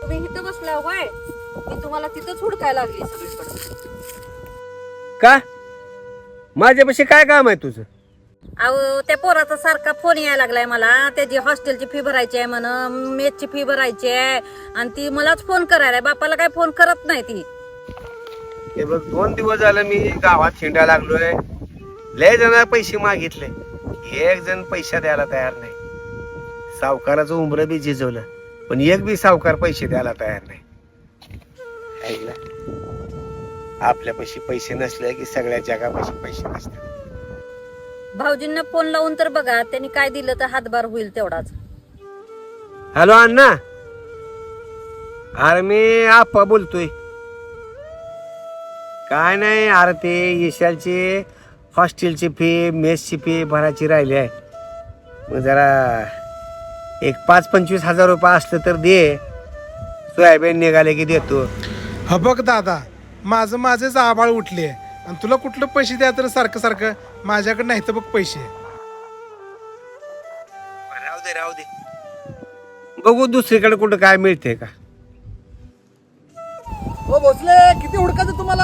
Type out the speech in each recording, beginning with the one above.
तुम्ही इथं बसला होय, मी तुम्हाला तिथंच हुडकायला लागली सगळीकडे. का माझ्यापाशी काय काम आहे तुझं? अहो त्या पोराचा सारखा फोन यायला लागलाय मला, त्याची हॉस्टेलची फी भरायची आहे म्हण, मेसची फी भरायची आहे, आणि ती मलाच फोन करायला, बापाला काय फोन करत नाही ती. हे बघ 2 दिवस झालं मी गावात हिंडायला लागलोय. लय जण पैसे मागितले, एक जण पैसा द्यायला तयार नाही. सावकाराचं उमर बी झिजवलं, पण एक बी सावकार पैसे द्यायला तयार नाही. ऐकलं? आपल्यापाशी पैसे नसले की सगळ्या जगापाशी पैसे नसतात. भाऊजींना फोन लावून तर बघा, त्यांनी काय दिलं तर हातभार होईल तेवढाच. हॅलो अण्णा, अरे मी आप्पा बोलतोय. काय नाही, अरे ते यशालची हॉस्टेलची फी मेसची फी भरायची राहिली आहे. मग जरा एक 5-25 हजार रुपये असलं तर दे, सोयाबीन निघाले की देतो. हा बघ दादा, माझेच आबाळ उठले आणि तुला कुठलं पैसे द्या तर सारखं सारखं माझ्याकडे नाही तर बघ पैसे. राहू दे बघू दुसरीकडे कुठं काय मिळते का. हो भोसले, किती हुडकायचं तुम्हाला?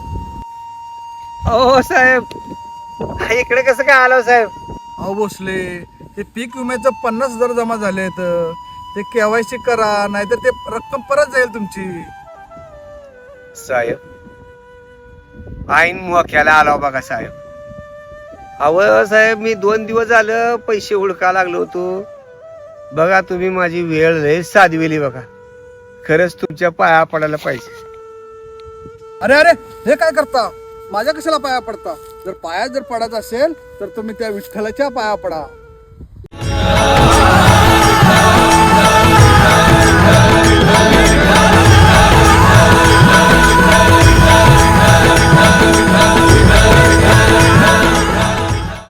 हो साहेब, इकडे कसं काय आलो साहेब? अहो भोसले, ते पीक विम्याचं 50,000 जमा झालेत, ते केवायसी करा, नाहीतर ते रक्कम परत जाईल तुमची. साहेब आईन मोक्याला आला बघा साहेब. अव साहेब, मी 2 दिवस झालं पैसे हुडका लागलो होतो. बघा तुम्ही माझी वेळ लय साधविली बघा. खरंच तुमच्या पाया पडायला पाहिजे. अरे अरे, हे काय करता? माझ्या कशाला पाया पडता? जर पाया पडायचं असेल तर तुम्ही त्या विठ्ठलाच्या पाया पडा.